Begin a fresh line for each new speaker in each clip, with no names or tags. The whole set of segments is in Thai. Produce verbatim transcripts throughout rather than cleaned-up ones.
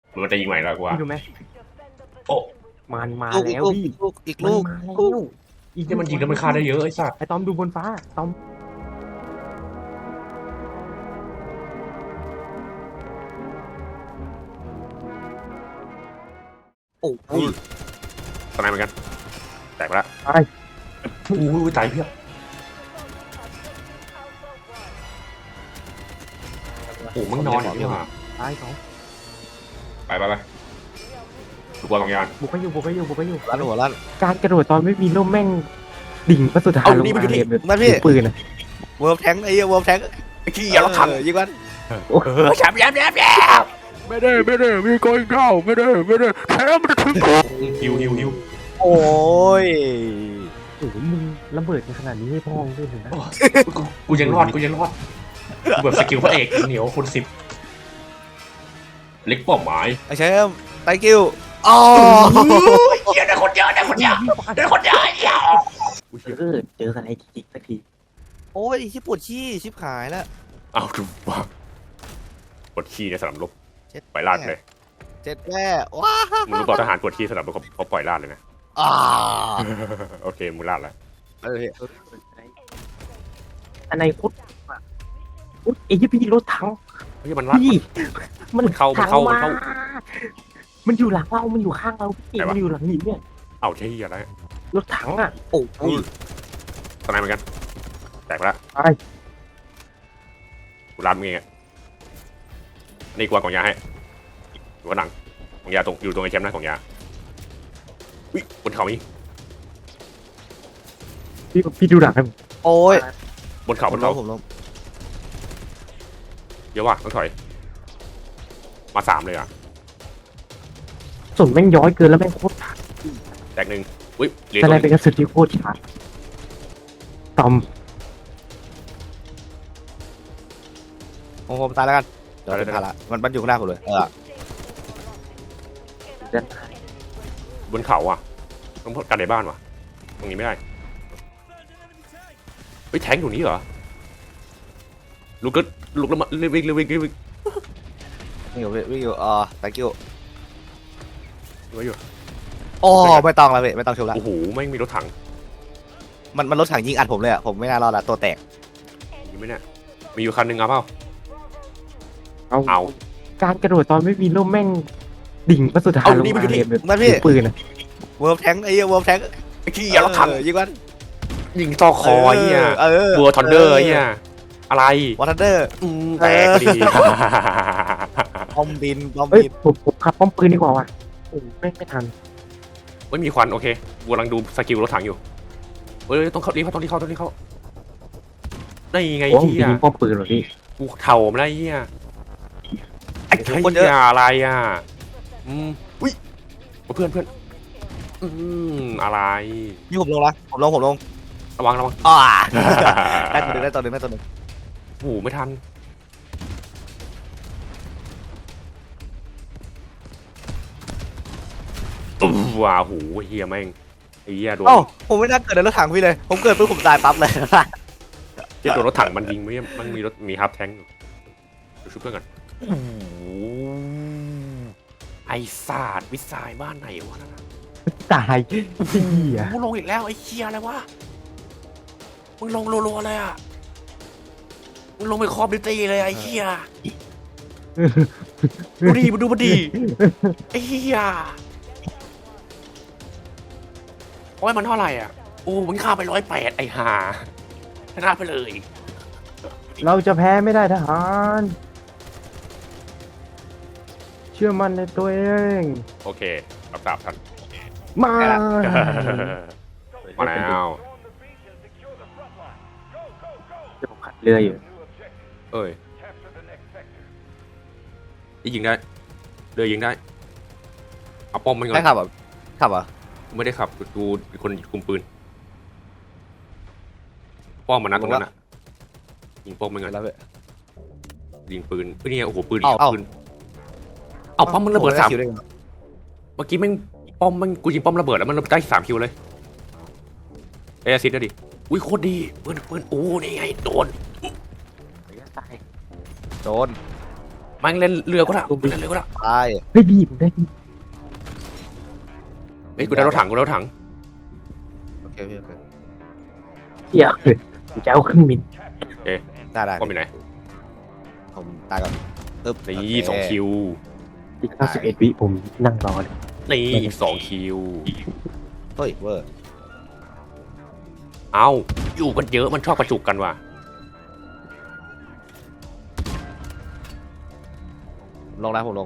มันจะยิงใหม่แล้วกูว่า
พี่รู้ไหม
โอ้
มันมา
ลูก
แล้ว
ลูก
พี่
ลูกอีก
มัน
ลูก
มาแล้วอีก
ที่มันยิงแล้วมันฆ่าได้เยอะไอ้สัตว์
ไอ้ตอมดูบนฟ้าตอม
โอ้โห
ตอนไหนเหมือนกันแตกไปละ
ตาย
โอ้ยตายเพี้ยโอ้มึงนอนอย่างนี้ว่ะ
ตายสอง
ไปไปไปดูบอลสองยาน
บุกไปอยู่บุกไปอยู่บุกไปอยู่
ลั่นหัวลั่น
การกระโดดตอนไม่มีร่มแม่งดิ่งพระสุธาลงมาเลยแบบ
มาพี่
ปืนอ่ะ
เวิร์ฟแทงไอ้เวิร์ฟแทง
ไอ้ขี้อย่าเราทัน
ยิงมัน
เออแชมป์แชมป์แชมป์แชมป์
ไม่ได้ไม่ได้มีโกยเข้าไม่ได้ไม่ได้แค่มันถึง
ฮิวฮิวฮิว
โอ้ย
โอ้โหมึงระเบิดกันขนาดนี้ให้พ่อมึงด้วยเลยนะ
กูกูยังรอดกูยังรอดกูแบบสกิลพระเอกเหนียวคนสิบเล็กเป้าหมาย
ไอ้แชมป์ไตกิ้วอ๋อ
เฮียได้คนเยอะได้คนเยอะได้คนเยอะเฮีย
เออเจอกันไอ้จิกสักที
โอ้ยชิบปวดขี้ชิบหายแล้ว
เอาดูว่ากดขี้ในสนามรบ
เจ็ด
ปล่อยลาดเลย
เจ็ดแม่ว้า
มึงรู้เปล่าทหารกดขี้สนามรบเขาเขาปล่อยลาดเลยนะ
อ่า
โอเคมึงลาดแล้ว
เออ
อันไหนพุทธพุทธไอ้ยี่พี่รถถัง
เฮ้ยมันลาด
พี่มัน
เข้ามันเข้ามันเข้า
มันอยู่หลังเรามันอยู่ข้างเราพี่
ไหนวะ
มันอยู่หลังหินเนี่ย
เอาเฮียอะไร
รถถังอ่ะ
โอ้ย
ตอนไหนเหมือนกันแตกไปละ
ตาย
กูลาดมึงเองอะนี่กูวางกล่องยาให้อยู่ข้างหลังกล่องยาตรงอยู่ตรงไอ้แชมป์นะกล่องยาอุ้ยบนเขามี
พี่พี่ดูหลังให้ผม
โอ้ย
บนเขา
ผ
บ
ม
น
ล้
เขา
มผมล้ม
เยอะว่ะต้องถอยมาสามเลยอ่ะ
ส่วนแม่งย้อยเกินแล้วแม่งโคตรขาด
แตกหนึ่งอุ้ยเหรียญ
แต่
ตัว
อะไร
ห
เป็น
นึ่ง
กระสุนที่โคตรขาดตอม
ผมผมตายแล้วกันเดี๋ยวตายละมันมันอยู่ข้างหน้าผมเลยเออ
เดิน
บนเขาอ่ะต้องกันในบ้านว่ะตรงนี้ไม่ได้เฮ้ยแทงอยู่นี้เหรอลูกก็ลูกแล้วมาเร็ววิ่งเร็ววิ่งเร็ววิ่ง
วิ่งอยู่วิ่งอยู่อ่าไตกิ้ว
ไว้อยู่
โอ้ไม่ต้องแล้วเว้ยไม่ต้องชมละ
โอ้โหไม่งมีรถถัง
มันมันรถถังยิงอัดผมเลยอ่ะผมไม่น่ารอดละตัวแตก
มีไหมเนี่ยมีอยู่คันหนึ่งเอาเปล่า
เอา
เอา
การกระโดดตอนไม่มีร่มแม่งดิ่งพระสุธาลงมาเลยแบบ
มาพี่
ปืนอ่ะ
เวิร์ฟแทงไอ้เวิร์ฟแทง
ไอ้ขี้อย่าเราถัง
ยิงมัน
ยิงต่อคอไอ้เหี้ย
เออ
บัวทอนเดอร์ไอ้เหี้ยอะไร
วอทันเดอร์
อืมแตกพอดี
บอมบินบอม
เอ้ย
บิน
ผมผมขับป้อมปืนดีกว่าว่ะโอ้ไม่ไม่ทัน
ไม่มีควันโอเคบัวกำลังดูสกิลรถถังอยู่เฮ้ยต้องเข้ารีบเข้าต้องรีบเข้าต้องรีบเข้าได้ไง
โอ้ผม
เหี้ย
ยิงป้อมปืนเหรอพี่
กูเท่าไม่ได้เหี้ยไอ้เหี้ยอะไรอ่ะอืมอุ้ยเพื่อนเพื่อนอืมอะไร
นี่ผมลงละผมลงผมลง
ระวังระวัง
อ่าได้ตัวหนึ่งได้ตัวหนึ่งได้ตัวหนึ่ง
โอ้โหไม่ทันอู้ว้าวโหเฮียแม่งไอ้เฮียโดน
เอ้าผมไม่น่าเกิดในรถถังพี่เลย ผมเกิดปุ๊บผมตายปั๊บเลย
เฮียโดนรถถังมันยิงไม่มันมีรถมีฮับแทงค์อยู่เดี๋ยวช่วยเพื่อนก่อนโอ้โหไอ้ศาสตร์วิสัยบ้านไหนวะนั่นน่ะ
ตายเหี้ย
มึงลงอีกแล้วไอ้เฮียอะไรวะมึงลงรัวๆเลยอ่ะมึงลงไปคอมดิวตี้เลยไอ้เฮียดูดิมาดูมาดิไอ้เฮียโอ้ยมันเท่าไหร่อ่ะโอ้มึงฆ่าไปร้อยแปดไอ้ห่าชนะไปเลย
เราจะแพ้ไม่ได้ทหาร เชื่อมั่นในตัวเอง
โอเครับทราบท่าน
มา
มาแล้ว
เดี๋ยวผมขัดเรืออยู่
เอ้ยยิงได้เรือยิงได้เอาป้อมมันก่อ
ได้
น
ขับอ่ะขับอ่ะ
ไม่ได้ขับดูคนคุมปืนป้อมมันนะตรงนั้นอ่ะยิงป้อมมันก่อน
แล้วเว้ย
ยิงปืนเฮ้ยเนี่ยโอ้โหปืน
เอ้าเอ้า
ปืนเอาป้อมมันระเบิดสาม
คิวได้ไง
เมื่อกี้แม่งป้อมมันกูยิงป้อมระเบิดแล้วมันได้สามคิวเลยเอซิดก็ดิอุ้ยโคตรดีปืนปืนโอ้นี่ไงโดน
ตาย
โดน
มันเล่นเรือก็ได้เล่นเรือก็ได้
ตาย
เฮ้ยพี่ผมได้พี่
เฮ้ยกูได้รถถังกูได้รถถัง
โอเคพี่โอเค
เหี้ยผมจะเอาเครื่องบิน
ได้ได้
ก็มีไหน
ผมตายก่อนตึ๊บ
นี่สองคิว
อีกห้าสิบเอ็ดวิผมนั่งรอเลย
นี่อีกสองคิว
เฮ้ยเวอร์
เอาอยู่กันเยอะมันชอบประจุกันว่ะ
ลงนะผมลง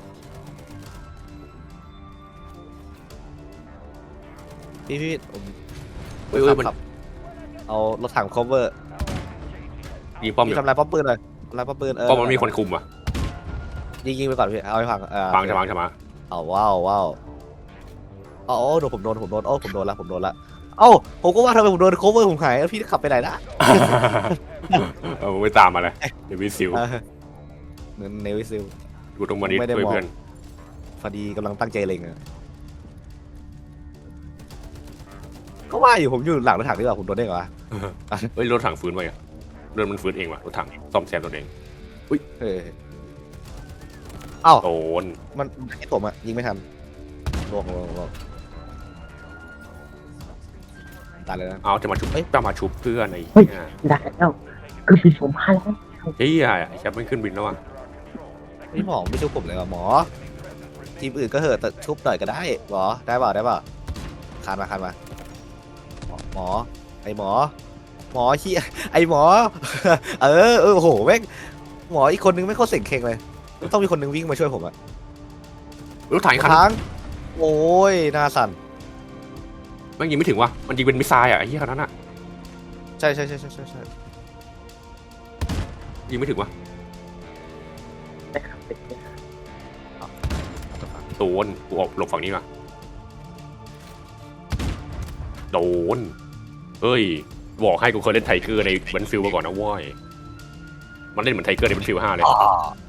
พี่พี่ผม
เฮ้ยเฮ้ยมัน
ขับเอารถถัง cover
ยิงป้อมอ
พี่
ยู่
ทำลายป้อมปืนเลยทำลายป้อมปืนเออ
ป้อมมันมีคนคุมอ่ะ
ยิงยิงไปก่อนพี่เอาไปพังเออ
ฟังจะฟังจะมา
เอาว้าวว้าวอ๋อโดนผมโดนผมโดนโอ้ผมโดนละผมโดนละเอ้าผมก็ว่าทำไมผมโดน cover ผมหายแล้วพี่ขับไปไหนนะ
เออมึงไม่ตามมาเลยเดี๋ยววิซิล
เออเหมือนเนวิซิล
กูต้องมาดิ
ไม่ได้
ช่วย
มอง
เพื่อน
พอดีกำลังตั้งใจเล็งอะก็ว่าอยู่ผมอยู่หลังรถถังดีกว่าผมโดนได้เหรอวะ
เฮ้ยรถถังฟื้นไปอ่ะเดินมันฟื้นเองว่ะรถถังซ่อมแซมตัวเอง
เฮ้ยเอ้า
โดน
มันไอ้ผมอะยิงไม่ทันลวงลวงลวงตายเลยนะ
เอาจะมาชุบเอ้ยจะมาชุบเพื่อนไอ้
เฮ้ย
เหี้ย
ได้แล้วเครื่องบินผมมาแล้ว
เฮ้ยไอ้แชมป์ไม่ขึ้นบินแล้วอ่ะ
พี่หมอไม่ชุบผมเลยว่ะหมอ ทีมอื่นก็เหอะแต่ชุบหน่อยก็ได้หมอได้เปล่าได้เปล่าคานมาคานมาหมอหมอไอหมอ หมอเฮียไอหมอ เออเออโอ้โหแม่งหมออีกคนนึงไม่เข้าเสียงเข่งเลยต้องมีคนนึงวิ่งมาช่วยผมอะ
รถถังอีกคัน
ค้างโอ้ยหน้าสั่น
แม่งยิงไม่ถึงว่ะมันยิงเป็นมิสไซล์อ่ะไอ้เหี้ยคันนั้นอ่ะ
ใช่ใช่ใช่ใช่ใช่ใช่
ยิงไม่ถึงว่ะ
ได้ครับเป็นไง
โดนกูออกหลบฝั่งนี้มาโดนเฮ้ยบอกให้กูเคยเล่นไทเกอร์ในบันฟิลมาก่อนนะเว้ยมันเล่นเหมือนไทเกอร์ในบันฟิลห้าเลย
อ๋อ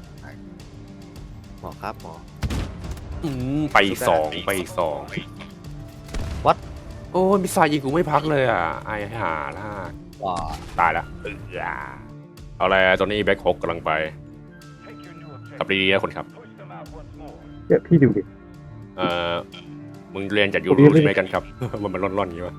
หมอครับหมอ
อืมไปอีกสองไปอีกสอง
What?
โอ้ยมิสไซล์ยิงกูไม่พักเลยอ่ะไอ้ห่าล่ะ
ว้า
ตายละเออเอาอะไรตอนนี้แบ็คฮอกกำลังไปขับดีๆนะคนครับ
เดี๋ยวพี่ดูดิ
เอ่อมึงเรียนจากยู
ผมเรี
รู
ยนไม่
ใช่ไหมกันครับ มันมันร่อนๆอย่างนี้วะ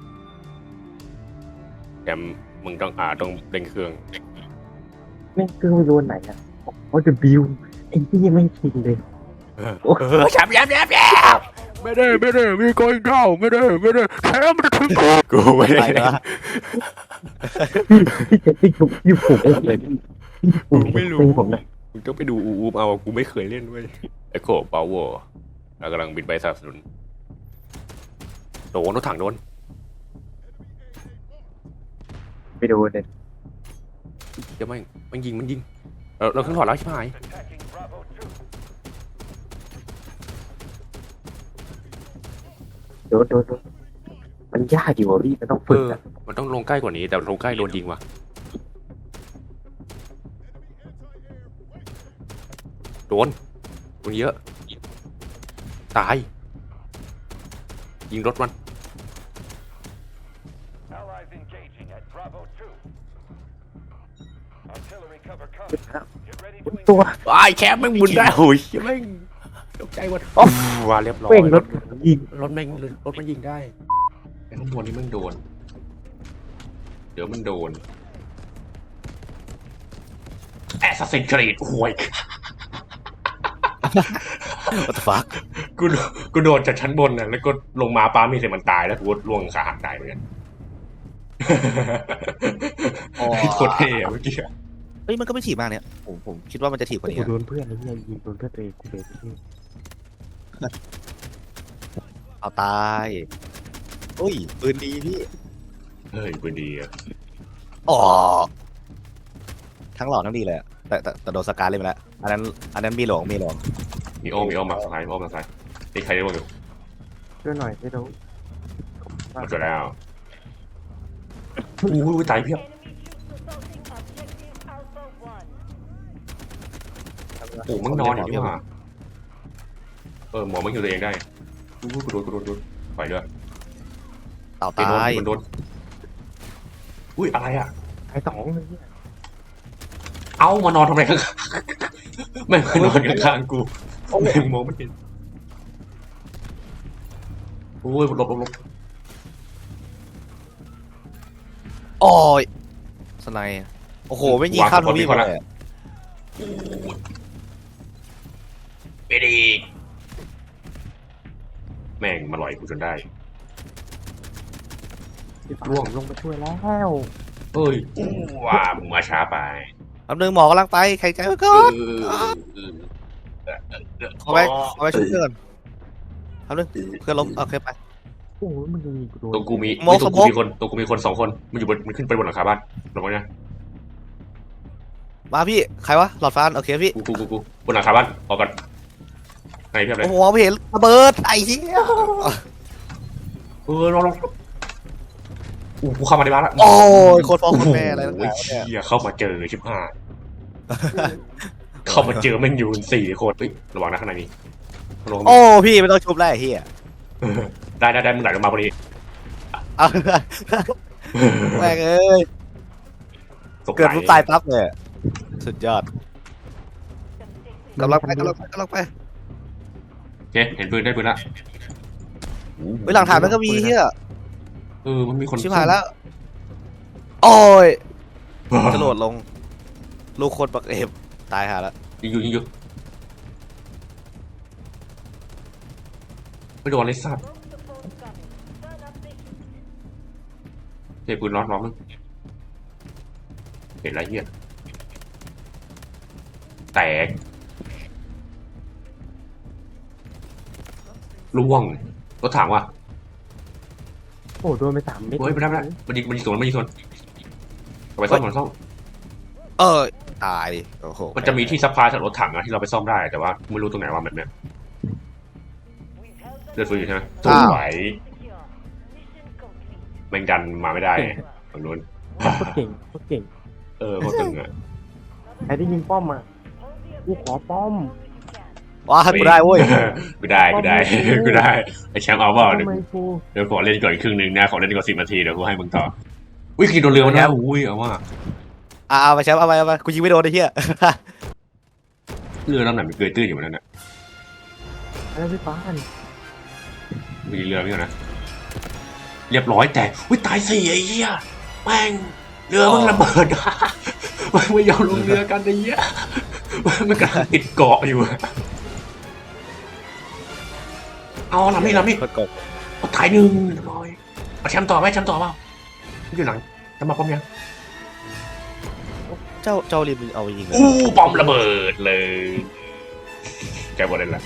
แถมมึงต้องอ่าต้องเร่งเครื่อง
แม่งเครื่องโยนไหนอ่ะโอ้จะบิวไอ้ที่ยังไม่ชินเลย
เออแชมป์แชมป์แชมป์แชมป์ไม่ได้ไม่ได้มีโกอิงเข้าไม่ได้ไม่ได้แชมป์มันจะถึงกูกูไม่ได้
ไปนะ
พี่จะพี่ผมพี่ผมไม่เลยผมไม่รู้ผมนะ
มึงต้องไปดูอูอูเอากูไม่เคยเล่นด้วยเอ็กโคพาวเวอร์เรากำลังบินไปสนับสนุนโดนรถถังโดน
ไปดูเลย
เดี๋ยวมันมันยิงมันยิงเราเราขึ้นถอดแล้วใช่ไหม
โดนโดนโดนมันยากอยู่อ่ะพี่มันต้อง
เอ
ฝึก
อ
อ่ะ
มันต้องลงใกล้กว่านี้แต่ลงใกล้โดนยิงว่ะโดนโดนเยอะตายยิงรถมัน
Allies engaging at Bravo two. Artillery cover
ฝึก
coming.
แล้ว
Get ready
ตัว
to
ตัว
ไอ้แชมป์แม่งบุญได้โอ้ยแม่งตกใจหมดโอ้ว่าเรียบร้อย
เป้งรถยิง
รถแม่งรถมันยิงได้ไอ้ข้างบนนี่มันโดน เดี๋ยวมันโดนแอสซัสซินครีดห่วย
What the fuck
กูกูโดนจากชั้นบนน่ะแล้วก็ลงมาป้ามีเสร็จมันตายแล้วกูก็ล่วงขาหักตายเหมือนกัน
อ๋อ
โคตรเท่อะเมื่อกี้อะ
เฮ้ยมันก็ไม่ถีบมากเนี่ยผมผมคิดว่ามันจะถีบกว่านี้
กู
อะ
โดนเพื่อนไอ้เหี้ยยิงโดนเพื่อนตัวเองกูเลยพี่
เอาตายอุ้ยปืนดีพี่
เฮ้ยปืนดีอะ
อ๋อทั้งหล่อทั้งดีเลยอะแต่แต่แต่โดนสการเล่นไปแล้วอันนั้นอันนั้นมีหลวงมีหลวง
มีโอมมีโอมมาซ้ายมีโอมมาซ้ายนี่ใครได้บ้างอยู่
ช่วยหน่อยไม่รู้
มาจบแล้วอู้ยตายเพียบ โอ้มึงนอนอย่างนี้ว่ะเออหมอมึงอยู่ตัวเองได้อู้กูโดนกูโดนโดนปล่อยด้วย
เต่า
ไปโดน
ตาย
มันโดนอุ้ยอะไรอ่ะ
ไอ้สองเลยเนี่ย
เอ้ามานอนทำไมข้างแม่งมานอนข้างๆกูแม่งมองไม่เห็นโอ้ยหลบหลบหลบ
โอ้ยสไนด์โอ้โหไม่ยิงข้ามทวีปเลยอะ
ไปดีแม่งมาลอยกูจนได้
ร่วงลงไปช่วยแล้ว
เอ้ยว่ามึงมาช้าไป
แป๊บนึงหมอกำลังไปแข็งใจไว้ก่อน ขอไปขอไปช่วยเพื่อนแป๊บนึงเพื่อนล้มโอเคไป
โอ้ยมันยิงกูโดน
ตรงกูมี
โมก
ตรง
ส
กู
โมก
มีคนตรงกูมีคนสองคนมันอยู่บนมันขึ้นไปบนหลังคาบ้านลงมาเนี่ย
มาพี่ใครวะหลอดฟ้าโอเคพี่
กูกูกูกูบนหลังคาบ้านออกก่อนไหนเพียบเลย
โอ้โหไม่เห็นระเบิดไอ้เหี้ย
เออลองลองอู้กูเข้ามาในบ้านละ
โอ้ยโคตรพ่อโคตรแม่อะไรตั้ง
โอ้ย
แต่เนี่ย
เหี้ยเข้ามาเจอชิบหายเข้ามาเจอแม่งอยู่สี่คนเฮ้ยระวังนะข้างในนี้ลง
โอ้พี่ไม่ต้องชุบแล้วไอ้เหี้ย
ได้ได้ได้มึงไหลลงมาพอดี
เอาแม่งเอ้ย
ตก
เกิด
ไหล
ปุ๊บตายปั๊บเลยสุดยอดกำลังไปกำลังไปกำลังไป
โอเคเห็นปืนได้ปืนละ
เฮ้ยหลังฐานมันก็มีเหี้ย
เออมันมีคน
ชิบหายแล้วโอ้ยจะโหลดลงลูกคนปักเอฟตายหาแล้ว
ยิงอยู่ยิงอยู่ไม่โดนเลยสัตว์เทปืนน็อตน็อกนึงเห็นไรเหี้ยแตกล่วงรถถังว่ะ
โอ้โดนไปสามเม็ด
เฮ้ยไม่ได้ไม่ได้มันยิงมันยิงสวนมันยิงสวนเอาไปซ่อมมันซ่อม
เออตายดิโอ้โห
มันจะมีที่ซัพพลายจากรถถังอะที่เราไปซ่อมได้แต่ว่าไม่รู้ตรงไหนว่าแบบเนี้ยเลือดฟื้นอยู่ใช่ไหมสวยแมงดันมาไม่ได้ฝั่งนู้น
โคตรเก่งโคตรเก่ง
เออโคตรตึงอะ
ใครได้ยิงป้อมมากูขอป้อม
ว้ากูได้เว้ย
กูได้กูได้กูได้ไอแชมป์เอาเปล่าเดี๋ยว
ทำไมกู
เดี๋ยวขอเล่นก่อนอีกครึ่งหนึ่งนะขอเล่นก่อนสิบนาทีเดี๋ยวกูให้มึงต่ออุ้ยขี่โดนเรือมาแล้วอุ้ยเอาว่า
อ่าเอาไปแชมป์เอาไปเอาไปกูยิงไม่โดนไอ้เหี้ย
เรือลำไหนมันเกยตื้นอยู่บนนั้นน่ะ
อะไรพี่ป้าน
มีเรือพี่ก่อนนะเรียบร้อยแต่อุ้ยตายสี่ไอ้เหี้ยแม่งเรือมันระเบิดมันไม่ยอมลงเรือกันไอ้เหี้ยมันกำลังติดเกาะอยู่เอาลำนี้ลำนี้
กดกด
เอาถ่ายหนึ่งเรียบร้อยเอาแชมป์ต่อไหมแชมป์ต่อเปล่าอยู่หลังจะมาป้อมยัง
เจ้าเจ้าริมเอาไปยิงเลย
อู้ป้อมระเบิดเลยแกบอกเลยละ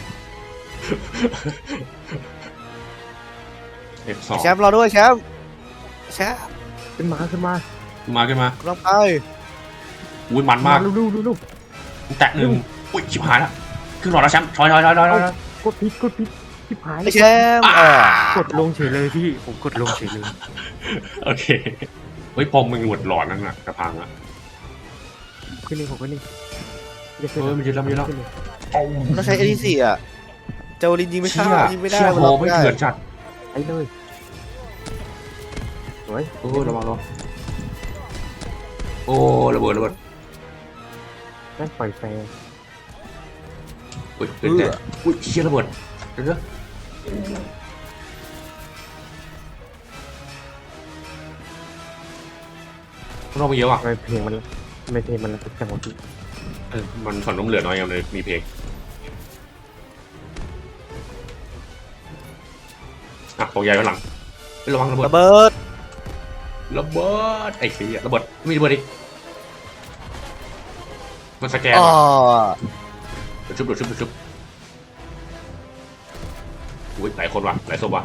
เอฟสอง
แชมป์รอด้วยแชมป์แชมป์
ขึ้นมาขึ้นมา
มาขึ้นมาก
ำลังไป
อุ้ยมันมาก
ดูดูดูดู
แตะหนึ่งอุ้ยชิบหายละขึ้นหลอดแล้วแชมป์ถอยถอยถอยถอยถอย
กดพิษกดพิษชิบหาย
ไอ้แชมป์อ่าก
ดลงเฉยเลยพี่ผมกดลงเฉยเลย
โอเคเฮ้ยพอมึงหมดหลอดนั่นน่ะกระพังอ่ะ
ขึ้นนี่ผมขึ้นนี่
เออมันยืนแล้วมันยืนแล้ว
ต้องใช้เอทีสี่อ่ะเจ้าลินยิงไม่เข้า
เชี่ย
ยิงไม่ได้
เชี่ย
มัน
โห
ล็อก
ไม่
ไม่ได้
เถื่อนจัด
ไอ้เลยสวย
โอ้ระวังระวังโอ้ระเบิดระเบิด
แม่งปล่อยแฟร์
อุ้ยเกิดแต่อุ้ยเชี่ยระเบิดเดี๋ยวเดี๋ยวเราไปเยอะอ่ะ
ทำไมเพลงมันทำไมเพลงมันระทึกจังวะพี่
เออมันฝันล้มเหลือน้อยยังเลยมีเพลงอ่ะตกใหญ่ข้างหลังไประวังระเบิด
ระเบิด
ระเบิดไอ้ขี้ยระเบิดไม่มีระเบิดอีกมันสแกน
อ๋อ
ว่ะเดี๋ยวชุบเดี๋ยวชุบเดี๋ยวชุบอุ้ยหลายคนว่ะหลายศพว่ะ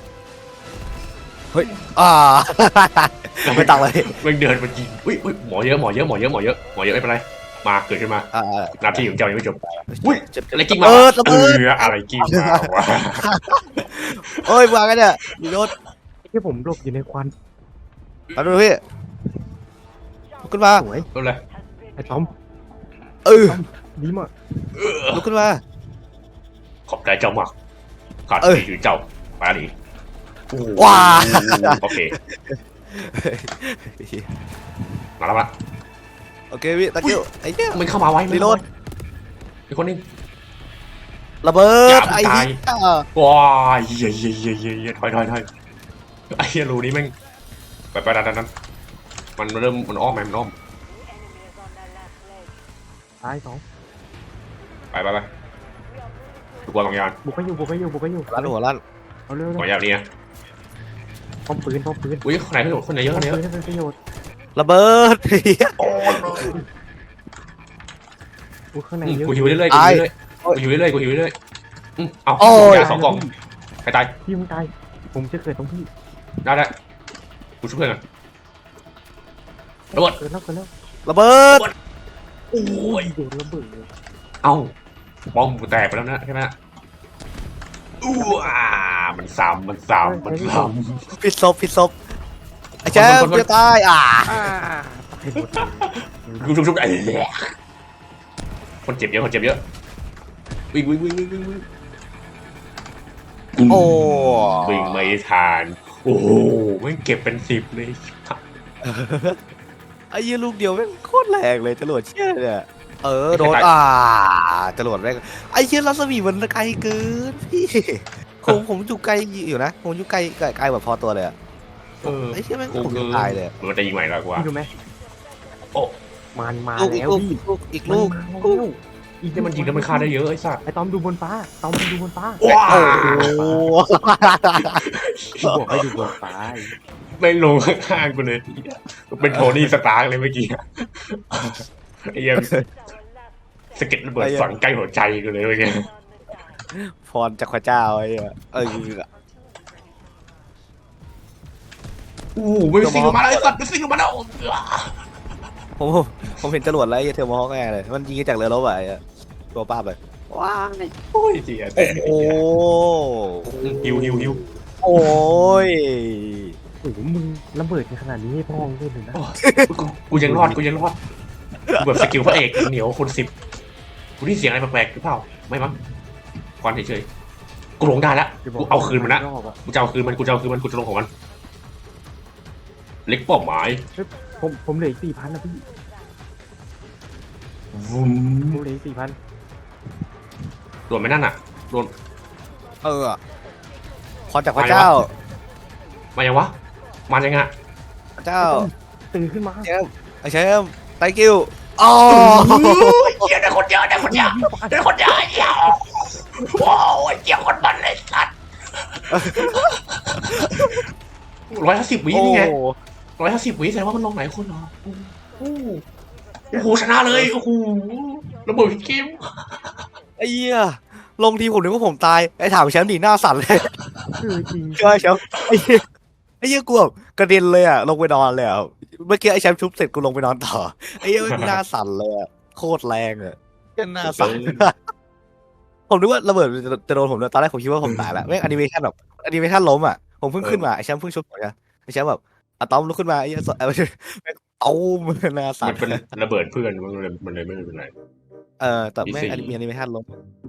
อ่า ไม่ตังเลย
แม่งเดินมันยิงอุ้ยอุ้ยหมอเยอะหมอเยอะหมอเยอะหมอเยอะหมอเยอะไม่เป็นไรมาเกิดขึ้นมา
อ่า
หน้าที่ของเจ้ายังไม่จบ
อุ้ย
อะไรกิ้ง
ระ
มา
เบิดระ
เอ
เบิด
ออะไรกิ้งมาวะ
โอ้ยวางกันเนี่ยมีรถ
ที่ผมหลบอยู่ในควัน
มาดูพี่ลุกขึ้นมา
สวย
ก็เลย
ไอ้ต้อม
เออ
ดีมาก
ลุกขึ้นมา
ขอบใจเจ้ามากขาด
เออ
ที่อยู่เจ้ามาดิ
ว้า
โอเคมาแล้วละ
โอเคพี่ตะกิ้วไอ้เหี้ย
มันเข้ามาไว้
รีโหลด
อีกคนนึง
ระเบิด
อย่า
ไอ้
ตาย
เหี้ย
ว้ายเยี่ยเยี่ยเยี่ยเยี่ยเยี่ยถอยถอยถอยไอ้เหี้ยรูนี้แม่งไปไปดันดันดันมันเริ่มมันอ้อมไหมมันอ้อม
ตายสอง
ไปไปไปดูกวางกองยาน
บุกไปอยู่บุกไปอยู่บุกไปอยู่
ลั่นหัวลั่น
เอาเร็ว
กองยานนี่นะ
ๆป้อมปืนป้อมปืน
อุ้ยคนไหนคนคนไหนเยอะคนไหนเย
ปื
อะ
นให้เป็นประโยชน์
ระเบิดเหี้ย
โอ้ย
บุกข้างใน
อืม
เยอะ
กูหิวเรื่อยๆกูหิวเรื่อยๆกูหิวเรื่อยๆกูหิวเรื่อยๆอืมเอากองยานสองกล่องใครตาย
พี่มึงตายผมจะเกิดตรงพี่
ได้ได้กูช่วยเพื่อนกันระเบิด
เกิดแล้วเกิดแล้ว
ระเบิด
โอ้ย
โดนระเบิดเลย
เอ้าบอมกูแตกไปแล้วนะใช่ไหมอู้อ่ามันซ้ำมันซ้ำมันซ้ำ
พิษศพพิษศพไอ้แชม
คนคนคน
ป์จะตายอ่า
อ่าตายหมด
ชุบชุบชุบไอ้แหละคนเจ็บเยอะคนเจ็บเยอะวิ่งวิ่งวิ่งวิ่งวิ่งวิ่ง
โอ้
วิ่งไม่ทันโอ้โหแม่งเก็บเป็นสิบเลย
ไอ้ยี่ลูกเดียวแม่งโคตรแรงเลยจรวดเชี่ยเนี่ยเออโดนอ่าจรวดแม่งไอ้เชี่ยรัศมีมันไกลเกินพี่ผมผมอยู่ไกลอยู่นะผมอยู่ไกลไกลไกลแบบพอตัวเลยอะ
เออ
ไอ้เชี่ยแม่ง
กู
ผม
คื
จะ
อ
ตายเลย
มันจะยิงใหม่แล้วกว่า
พี่ดูไหม
โอ้
มันมา
ลูกอีก
แล้ว
ลูก
พี่
อีกลูกอีกลูก
มันมาแล้วอีก
ที่มันยิงแล้วมันฆ่าได้เยอะไอ้สัตว์
ไอ้ตอมดูบนฟ้าตอมดูบนฟ้า
ว้า
โอ้
กูบอกให้ดูบนฟ้า
ไม่ลงข้างๆกูเลยเป็นโทนี่สตาร์กเลยเมื่อกี้ไอ้เหี้ยังสะเก็ดระเบิดฝังใกล้หัวใจกูเลยเมื่อกี้
พรจากพระเจ้าไอ้เหี้ยเออ
อู้ไม่ซิงออกมาแล้วไอ้สัตว์ไม่ซิงออกมาแล้ว
ผมผมเห็นจรวดแล้วไอ้เทอร์โมฮอคแน่เลยมันยิงจากเรือรบอะไอ้ตัวป้าเลยว้าย
โอ้ยเจียแต่
โอ้
ฮิวฮิวฮิว
โอ้ย
โอ้โหมึงระเบิดขนาดนี้ให้พ่อมึงเล่นเลยนะ
กูกูยังรอดกูยังรอดกูแบบสกิลพระเอกเหนียวคนสิบกูได้เสียงอะไรแปลกๆหรือเปล่าไม่มั้งควันเฉยๆกูลงได้แล้วกูเอาคืนมันนะ
รอบอะ
กูจะเอาคืนมันกูจะเอาคืนมันกูจะลงของมันเล็กเป้าหมาย
ผมผมเหลืออีกสี่พันนะพี่
วุ้ม
ผมเหลืออีกสี่พัน
โดนไหมนั่นอ่ะโดน
เออพรจากพระเจ้า
มายังวะมายังไง
พระเจ้า
ตื่นขึ้นมา
แชมป์ไอ้แชมป์ thank you อ๋อ
เยอะได้คนเยอะได้คนเยอะได้คนเยอะเยอะว้าวเยอะคนมันเลยสัตว์ร้อยห้าสิบวินี่ไงร้อยห้าสิบวิแสดงว่ามันลงไหนคนเหรอโอ้โหโอ้โหชนะเลยโอ้โหระเบิดเกม
ไอ้เหี้ยลงทีผมนึกว่าผมตายไอ้ถามแชมป์ดีหน้าสั่นเลย
เออจริง
ใช่แชมป์ไอ้เหี้ยไอ้เหี้ยกูแบบกระเด็นเลยอ่ะลงไปนอนเลยอ่ะเมื่อกี้ไอ้แชมป์ชุบเสร็จกูลงไปนอนต่อไอ้เหี้ยหน้าสั่นเลยอ่ะโคตรแรงอ่ะแค่หน้าสั่นผมนึกว่าระเบิดจะจะโดนผมเลยตอนแรกผมคิดว่าผมตายแล้วแม่งแอนิเมชันแบบแอนิเมชันล้มอ่ะผมเพิ่งขึ้นมาไอ้แชมป์เพิ่งชุบผมนะไอ้แชมป์แบบอะตอมลุกขึ้นมาไอ้เหี้ยเอาเอาหน้าสั่
มัน นเป็นระเบิดเพื่อนมันเลยมันเลยไม่เป็นไร
เออแต่แม่ง
อีซี่
แอนิเมชันล้ม